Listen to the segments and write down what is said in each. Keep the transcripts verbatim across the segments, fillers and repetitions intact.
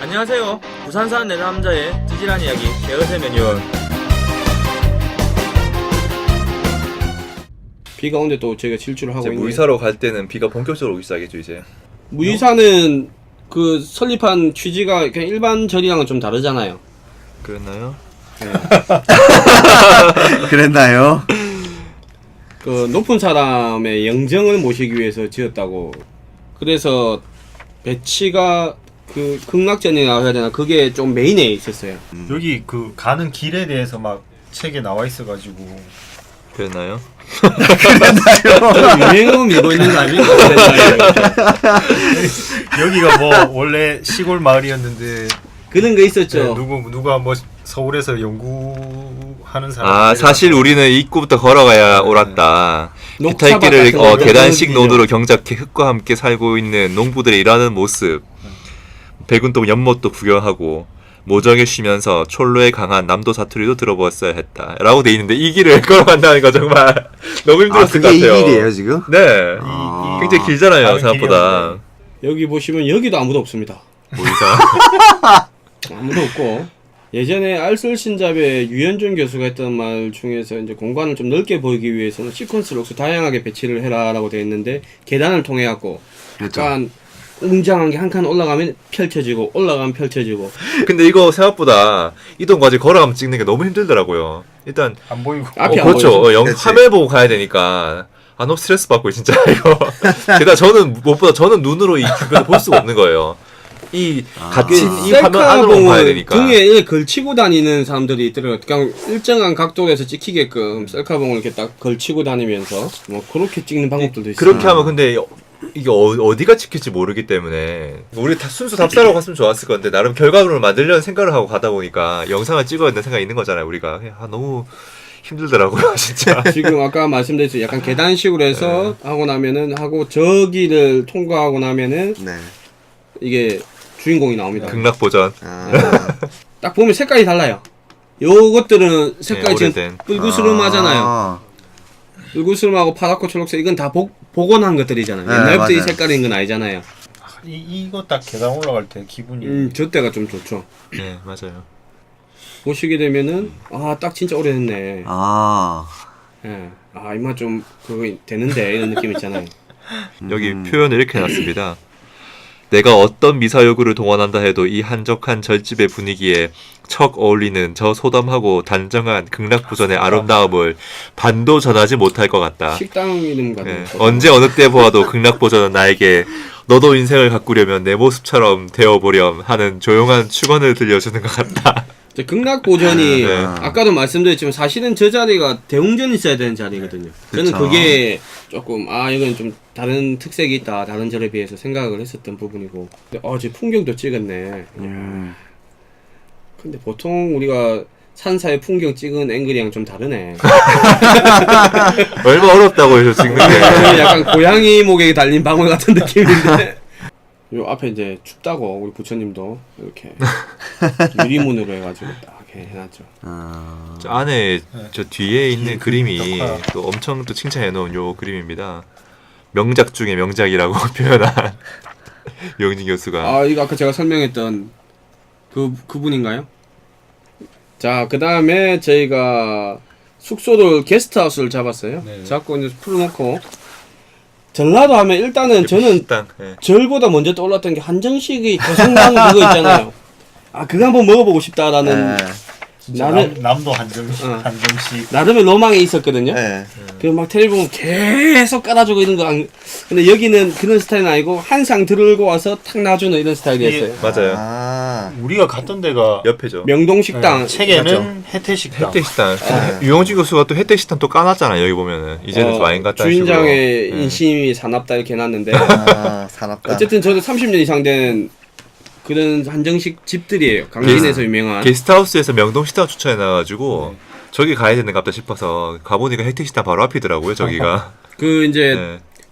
안녕하세요. 부산 사는 내 남자의 찌질한 이야기 개어세 매뉴얼. 비가 오는데 또 저희가 질주를 하고 이제 있는데 무이사로 갈 때는 비가 본격적으로 오기 시작했죠 이제. 무이사는 그 설립한 취지가 그냥 일반 절이랑은 좀 다르잖아요. 그랬나요? 그랬나요? 그 높은 사람의 영정을 모시기 위해서 지었다고. 그래서 배치가 그 극락전이라고 해야 되나 그게 좀 메인에 있었어요. 음. 여기 그 가는 길에 대해서 막 책에 나와 있어가지고 그랬나요? 저는 유행어 밀고 있는 거 아닙니까? 여기가 뭐 원래 시골 마을이었는데 그런 거 있었죠. 네, 누구 누가 뭐 서울에서 연구하는 사람 아 사실 우리는 입구부터 걸어가야 네. 옳았다. 녹차밭 기타길을 같은 어, 거 계단식 그런 노드로 경작해 흙과 함께 살고 있는 농부들의 일하는 모습. 백운동 연못도 구경하고 모정에 쉬면서 촐로에 강한 남도 사투리도 들어보았어야 했다. 라고 돼 있는데 이 길을 걸어간다는 거 정말 너무 아, 힘들었을 것 그게 이 같아요. 길이에요 지금? 네. 아. 굉장히 길잖아요 다른 생각보다. 여기 보시면 여기도 아무도 없습니다. 무이사. 아무도 없고 예전에 알쓸신잡의 유현준 교수가 했던 말 중에서 이제 공간을 좀 넓게 보이기 위해서는 시퀀스 록스 다양하게 배치를 해라라고 되어 있는데 계단을 통해 갖고 그렇죠. 약간 웅장한 게 한 칸 올라가면 펼쳐지고 올라가면 펼쳐지고. 근데 이거 생각보다 이동 과제 걸어가면 찍는 게 너무 힘들더라고요. 일단 안 보이고 앞이 어, 안 그렇죠. 보이죠? 어, 영, 그치. 화면 보고 가야 되니까 아 너무 스트레스 받고 진짜 이거. 게다가 저는 무엇보다 저는 눈으로 이 주변을 볼 수가 없는 거예요. 이 아. 갇힌 이 화면 안으로 봐야 셀카봉을 되니까. 등에 이렇게 걸치고 다니는 사람들이 있더라고요. 그냥 일정한 각도에서 찍히게끔 셀카봉을 이렇게 딱 걸치고 다니면서 뭐 그렇게 찍는 방법들도 있어요. 그렇게 하면 근데 이게 어, 어디가 찍힐지 모르기 때문에 우리 다 순수 답사로 갔으면 좋았을 건데 나름 결과물을 만들려는 생각을 하고 가다 보니까 영상을 찍어야 되는 생각이 있는 거잖아요 우리가. 아 너무 힘들더라고요 진짜. 지금 아까 말씀드렸죠. 약간 계단식으로 해서 하고 나면은 하고 저기를 통과하고 나면은 네. 이게 주인공이 나옵니다. 극락 버전. 아, 딱 보면 색깔이 달라요. 요것들은 색깔이 네, 지금 오래된. 뿔구스름하잖아요. 아, 뿔구스름하고 파랗고 초록색 이건 다 복, 복원한 것들이잖아요. 네, 옛날부터 이 맞아요. 색깔인 건 아니잖아요. 이 이거 딱 계단 올라갈 때 기분이 음, 저 때가 좀 좋죠. 네 맞아요. 보시게 되면은 아 딱 진짜 오래됐네. 아, 예. 아 이마 좀 그거 되는데 이런 느낌 있잖아요. 여기 음. 표현을 이렇게 해놨습니다. 내가 어떤 미사 요구를 동원한다 해도 이 한적한 절집의 분위기에 척 어울리는 저 소담하고 단정한 극락부전의 아름다움을 반도 전하지 못할 것 같다. 식당 이름 같은 네, 거. 언제 어느 때 보아도 극락부전은 나에게 너도 인생을 가꾸려면 내 모습처럼 되어보렴 하는 조용한 축원을 들려주는 것 같다. 저 극락보전이 네. 아까도 말씀드렸지만 사실은 저 자리가 대웅전이 있어야 되는 자리거든요. 저는 그쵸. 그게 조금 아 이건 좀 다른 특색이 있다 다른 절에 비해서 생각을 했었던 부분이고. 근데 어저 풍경도 찍었네. 음. 근데 보통 우리가 산사의 풍경 찍은 앵글이랑 좀 다르네. 얼마 어렵다고 해서 찍는 게. 약간 고양이 목에 달린 방울 같은 느낌인데. 요 앞에 이제 춥다고 우리 부처님도 이렇게 유리문으로 해가지고 딱 이렇게 해놨죠. 아, 저 안에 저 뒤에 있는 뒤에 그림이 덕화. 또 엄청 또 칭찬해 놓은 요 그림입니다. 명작 중에 명작이라고 표현한 영진 교수가. 아 이거 아까 제가 설명했던 그 그분인가요? 자, 그 다음에 저희가 숙소를 게스트하우스를 잡았어요. 네. 잡고 이제 풀어놓고 전라도 하면 일단은 저는 식당. 예. 절보다 먼저 떠올랐던 게 한정식이 고성당 그거 있잖아요. 아 그거 한번 먹어보고 싶다라는 네. 진짜 나는- 남, 남도 한정식 어. 한정식 나름의 로망이 있었거든요. 네. 그 막 텔레비 보면 계속 깔아주고 이런 거 안... 근데 여기는 그런 스타일은 아니고 한 상 들고 와서 탁 놔주는 이런 스타일이었어요. 맞아요. 아, 우리가 갔던 데가 옆에죠. 명동식당 네, 책에는 혜태식당 혜택식당. 네. 유영진 교수가 또 혜택식당 또 까놨잖아요. 여기 보면은 이제는 어, 좀 아닌 것 같다. 주인장의 식으로. 예. 인심이 사납다 이렇게 해놨는데 아, 사납다. 어쨌든 저도 삼십 년 이상 된 그런 한정식 집들이에요. 강진에서 유명한. 게스트하우스에서 명동식당 추천해 놔가지고 저기 가야 되는 것 같다 싶어서 가보니까 혜택식당 바로 앞이더라고요. 저기가. 그 이제 네.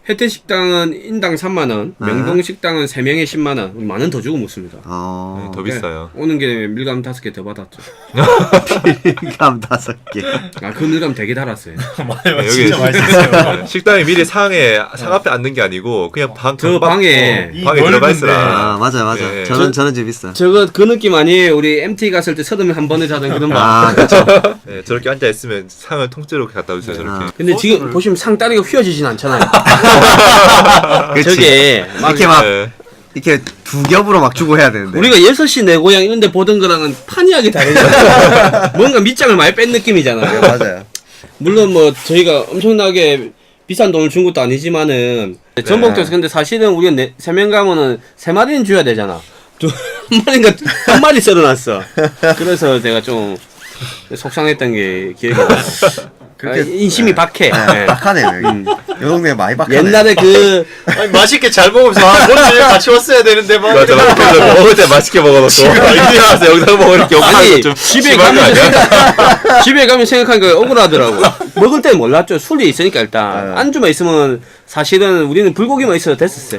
혜태식당은 인당 삼만 원, 네. 명동식당은 세 명에 십만 원, 만 원 더 주고 먹습니다. 어. 더 비싸요. 오는 길에 밀감 다섯 개 더 받았죠. 감 다섯 개. 아, 그 밀감 되게 달았어요. 맞아요. 네, 진짜 맛있었어요. 네, 식당에 미리 상에 상 앞에 앉는 게 아니고 그냥 방 저 경박- 방에 어, 방에 들어가 있으라. 아 맞아 맞아. 네. 저는 저- 저는 집 있어. 저거 그 느낌 아니에요? 우리 엠티 갔을 때 서점에 한 번에 자던 그런 방. 아 그렇죠. 네, 저렇게 앉아 있으면 상을 통째로 갖다 주세요. 저렇게. 아. 근데 지금 보시면 상 다리가 휘어지진 않잖아요. 그렇지. 저게 막 이렇게 막 네. 이렇게 두 겹으로 막 주고 해야 되는데. 우리가 여섯 시 내 고향 이런 데 보던 거랑은 판이하게 다르잖아요. 뭔가 밑장을 많이 뺀 느낌이잖아요. 맞아요. 물론 뭐 저희가 엄청나게 비싼 돈을 준 것도 아니지만은 전복도에서 근데 사실은 우리가 네, 세 명 가면은 세 마리는 줘야 되잖아. 두, 한 마리인가 한 마리 썰어놨어. 그래서 제가 좀 속상했던 게 기억이 나요. 그렇게- 아, 인심이 박해. 네, 네. 박하네요 여기. 요 동네 많이 박하네. 옛날에 그 아니, 맛있게 잘 먹으면서 아, 뭔지 같이 왔어야 되는데 막 맞아, 맞아. 그래서 먹을 때 맛있게 먹어놓고 이리 와서 영상 먹을 게 아니 없어서 좀 집에 심한 거 가면 아니야? 생각 집에 가면 생각하니까 억울하더라고. 먹을 때 몰랐죠. 술이 있으니까 일단 네. 안주만 있으면 사실은 우리는 불고기만 있어도 됐었어요.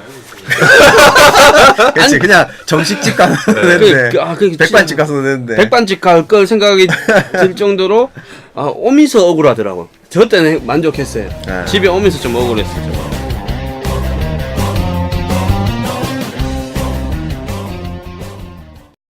그렇지 그냥 정식집 가서 그, 되는데 그, 아, 그 백반집 가서 되는데. 백반집 갈 걸 생각이 들 정도로 아, 오면서 억울하더라고. 저 때는 만족했어요. 네. 집에 오면서 좀 억울했어요. 저거.